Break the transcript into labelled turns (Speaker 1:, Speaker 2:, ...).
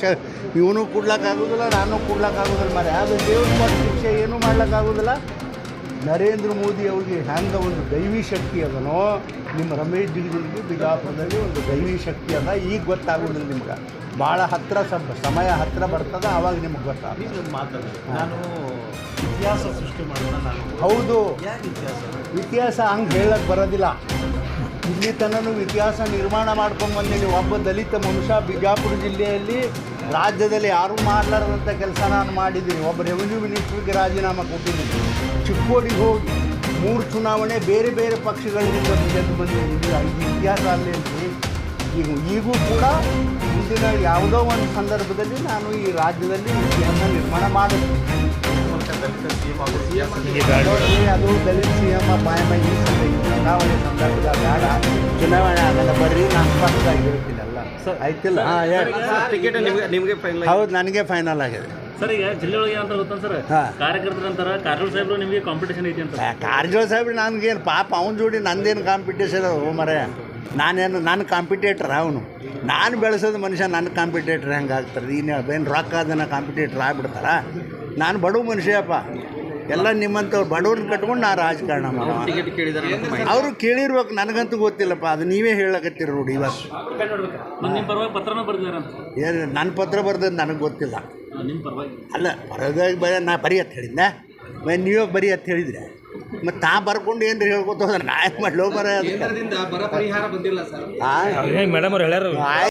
Speaker 1: ಇವನು ಕೊಡ್ಲಿಕ್ಕಾಗೋದಿಲ್ಲ, ನಾನು ಕೊಡ್ಲಿಕ್ಕಾಗೋದಿಲ್ಲ ಮರೆ. ಅದು ದೇವ್ರ ಕೊಟ್ಟ ಶಿಕ್ಷೆ ಏನೂ ಮಾಡ್ಲಿಕ್ಕಾಗೋದಿಲ್ಲ. ನರೇಂದ್ರ ಮೋದಿ ಅವ್ರಿಗೆ ಹ್ಯಾಂಗೆ ಒಂದು ದೈವಿ ಶಕ್ತಿ ಅದನೋ, ನಿಮ್ಮ ರಮೇಶ್ ಜಿಗಜಿಣಗಿ ಬಿಜಾಪುರದಲ್ಲಿ ಒಂದು ದೈವಿ ಶಕ್ತಿ ಅದ. ಈಗ ಗೊತ್ತಾಗೋದಿಲ್ಲ ನಿಮ್ಗೆ, ಭಾಳ ಹತ್ತಿರ ಸಮಯ ಹತ್ತಿರ ಬರ್ತದೆ, ಆವಾಗ ನಿಮ್ಗೆ ಗೊತ್ತಾಗ
Speaker 2: ಮಾತಾಡ. ನಾನು ಇತಿಹಾಸ ಸೃಷ್ಟಿ ಮಾಡೋಣ. ನಾನು
Speaker 1: ಹೌದು,
Speaker 2: ಯಾಕೆ
Speaker 1: ಇತಿಹಾಸ ಹಂಗೆ ಹೇಳಕ್ಕೆ ಬರೋದಿಲ್ಲ. ಇಲ್ಲಿ ತನೂ ಇತಿಹಾಸ ನಿರ್ಮಾಣ ಮಾಡ್ಕೊಂಡು ಬಂದೀನಿ. ಒಬ್ಬ ದಲಿತ ಮನುಷ್ಯ ಬಿಜಾಪುರ ಜಿಲ್ಲೆಯಲ್ಲಿ ರಾಜ್ಯದಲ್ಲಿ ಯಾರೂ ಮಾಡಲಾರದಂಥ ಕೆಲಸ ನಾನು ಮಾಡಿದ್ದೀನಿ. ಒಬ್ಬ ರೆವಿನ್ಯೂ ಮಿನಿಸ್ಟ್ರಿಗೆ ರಾಜೀನಾಮೆ ಕೊಟ್ಟಿದ್ದೀನಿ. ಚಿಕ್ಕೋಡಿಗೆ ಹೋಗಿ 3 ಚುನಾವಣೆ ಬೇರೆ ಬೇರೆ ಪಕ್ಷಗಳಿಂದ ಗೆದ್ದು ಬಂದಿದ್ದೀನಿ. ಇದು ಇತಿಹಾಸ ಅಲ್ಲೇ ಈಗೂ ಕೂಡ ಮುಂದಿನ ಯಾವುದೋ ಒಂದು ಸಂದರ್ಭದಲ್ಲಿ ನಾನು ಈ ರಾಜ್ಯದಲ್ಲಿ ಇತಿಹಾಸ ನಿರ್ಮಾಣ ಮಾಡುತ್ತೇನೆ. ಅದು ದಲಿತ ಸಿ ಎಮ್ ಬಾಯಮ್ಮ ಈ ಚುನಾವಣೆ ಸಂದರ್ಭದ ಬೇಡ, ಚುನಾವಣೆ ಆಗಲ್ಲ ಬರ್ರಿ, ನಾನು ಸ್ಪಷ್ಟವಾಗಿ ಹೇಳ್ತೀನಲ್ಲ. ಆಯ್ತಿಲ್ಲ?
Speaker 2: ಟಿಕೆಟ್ ನಿಮಗೆ ಫೈನಲ್?
Speaker 1: ಹೌದು, ನನಗೆ ಫೈನಲ್ ಆಗಿದೆ
Speaker 3: ಸರ್. ಈಗ ಜಿಲ್ಲೆ ಒಳಗೆ ಅಂತ ಗೊತ್ತಾ ಸರ್, ಕಾರ್ಯಕರ್ತರ ನಂತರ ಕಾರಜೋಳ ಸಾಹೇಬ್ರು ನಿಮಗೆ ಕಾಂಪಿಟೇಷನ್ ಐತಿ ಅಂತ.
Speaker 1: ಕಾರಜೋಳ ಸಾಹೇಬ್ರು ನನಗೇನು ಪಾಪ, ಅವನ ಜೋಡಿ ನಂದೇನು ಕಾಂಪಿಟೇಷನ್ ಓ ಮರೆ. ನನ್ನ ಕಾಂಪಿಟೇಟ್ರ್ ಅವನು. ನಾನು ಬೆಳೆಸೋದು ಮನುಷ್ಯ ನನ್ನ ಕಾಂಪಿಟೇಟ್ರ್ ಹೆಂಗೆ ಆಗ್ತಾರೆ? ಏನು ರೊಕ್ಕ ಅದನ್ನು ಕಾಂಪಿಟೇಟ್ರ್ ಆಗ್ಬಿಡ್ತಾರ? ನಾನು ಬಡವ ಮನುಷ್ಯಪ್ಪ. ಎಲ್ಲ ನಿಮ್ಮಂಥವ್ರು ಬಡವ್ರನ್ನ ಕಟ್ಕೊಂಡು ನಾನು ರಾಜಕಾರಣ ಮಾಡೋ.
Speaker 2: ಟಿಕೆಟ್ ಕೇಳಿದಾರೆ
Speaker 1: ಅವರು ಕೇಳಿರ್ಬೇಕು, ನನಗಂತೂ ಗೊತ್ತಿಲ್ಲಪ್ಪ. ಅದು ನೀವೇ ಹೇಳಕತ್ತೀರಿ ನೋಡಿ ಇವತ್ತು.
Speaker 3: ನಿಮ್ಮ ಪರವಾಗಿ ಪತ್ರನ ಬರ್ದಿದ್ದಾರೆ ಅಂತ.
Speaker 1: ಏನು ನನ್ನ ಪತ್ರ ಬರ್ದದ್ದು ನನಗೆ ಗೊತ್ತಿಲ್ಲ.
Speaker 3: ನಿಮ್ಮ ಪರವಾಗಿ
Speaker 1: ಅಲ್ಲ, ಬರೋದಾಗಿ ನಾ ಬರೀ ಅಂತ ಹೇಳಿದ್ದೆ. ನೀವೇ ಬರೀ ಅಂತ ಹೇಳಿದರೆ ಮತ್ತು ತಾ ಬರ್ಕೊಂಡು ಏನ್ರಿ ಹೇಳ್ಕೊತ ಹೋದ್ರೆ ನಾ ಯಾಕೆ ಮಾಡಲೋ ಬರ.
Speaker 2: ಬರ ಪರಿಹಾರ ಬಂದಿಲ್ಲ ಸರ್.
Speaker 3: ಮೇಡಮ್ ಅವ್ರು ಹೇಳ್ಯಾರ.